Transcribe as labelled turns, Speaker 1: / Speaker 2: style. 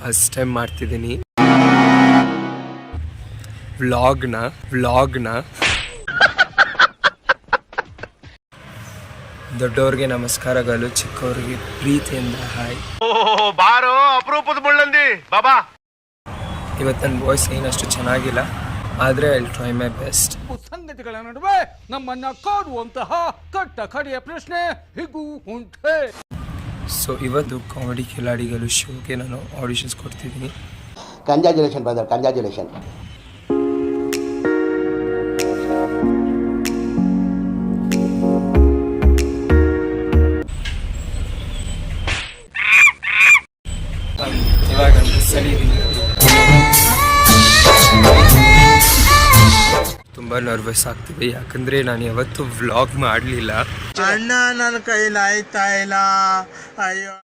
Speaker 1: First time ಮಾಡ್ತಿದ್ದೀನಿ ವ್ಲಾಗ್ನ. ದೊಡ್ಡವ್ರಿಗೆ ನಮಸ್ಕಾರಗಳು, ಚಿಕ್ಕವ್ರಿಗೆ ಪ್ರೀತಿಯಿಂದ ಹಾಯ್.
Speaker 2: ಬಾರೋ ಅಪರೂಪದ ಮುಳ್ಳಂದಿ ಬಾಬಾ.
Speaker 1: ಇವತ್ತು ನನ್ನ ವಾಯ್ಸ್ ಏನಷ್ಟು ಚೆನ್ನಾಗಿಲ್ಲ, ಆದರೆ I will try my best.
Speaker 3: ಸಂಗತಿಗಳ ನಡುವೆ ನಮ್ಮನ್ನ ಕಾಡುವಂತಹ ಕಟ್ಟ ಕಡೆಯ ಪ್ರಶ್ನೆ ಹೀಗೂ ಉಂಟೆ.
Speaker 1: ಸೊ ಇವತ್ತು ಕಾಮಿಡಿ ಕಿಲಾಡಿಗಳು ಶೋಗೆ ನಾನು ಆಡಿಷನ್ಸ್ ಕೊಡ್ತಿದ್ದೀನಿ.
Speaker 4: Congratulation brother, congratulation.
Speaker 1: ಇವಾಗ ಸರಿ ತುಂಬ ನರ್ವಸ್ ಆಗ್ತಿದೆ, ಯಾಕಂದರೆ ನಾನು ಯಾವತ್ತೂ ವ್ಲಾಗ್ ಮಾಡಲಿಲ್ಲ.
Speaker 5: ಅಣ್ಣ ನನ್ನ ಕೈಲಾಯ್ತಾ ಇಲ್ಲ, ಅಯ್ಯೋ.